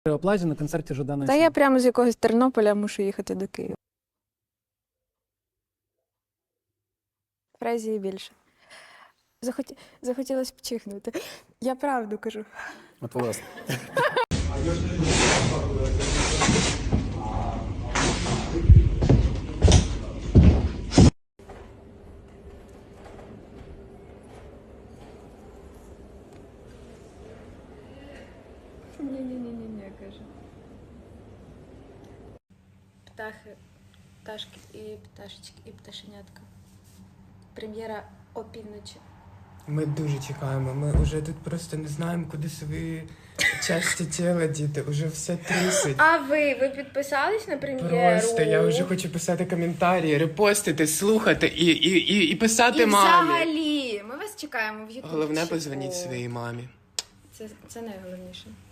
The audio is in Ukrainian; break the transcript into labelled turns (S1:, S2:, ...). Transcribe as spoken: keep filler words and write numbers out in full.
S1: Плазі на концерті Жадана.
S2: Та я прямо з якогось Тернополя мушу їхати до Києва. Фразії більше. Захоті... Захотілося б чихнути. Я правду кажу.
S1: От власне.
S2: Ні-ні-ні, каже. Птахи, пташки і пташечки, і пташенятка. Прем'єра опівночі.
S3: Ми дуже чекаємо. Ми вже тут просто не знаємо, куди свої часті тіла діти. Уже все трусить.
S2: А ви? Ви підписались на прем'єру?
S3: Просто я вже хочу писати коментарі, репостити, слухати і, і, і, і писати
S2: І
S3: мамі.
S2: взагалі, ми вас чекаємо в Ютубчику.
S3: Головне, позвоніть своїй мамі.
S2: Це, це найголовніше.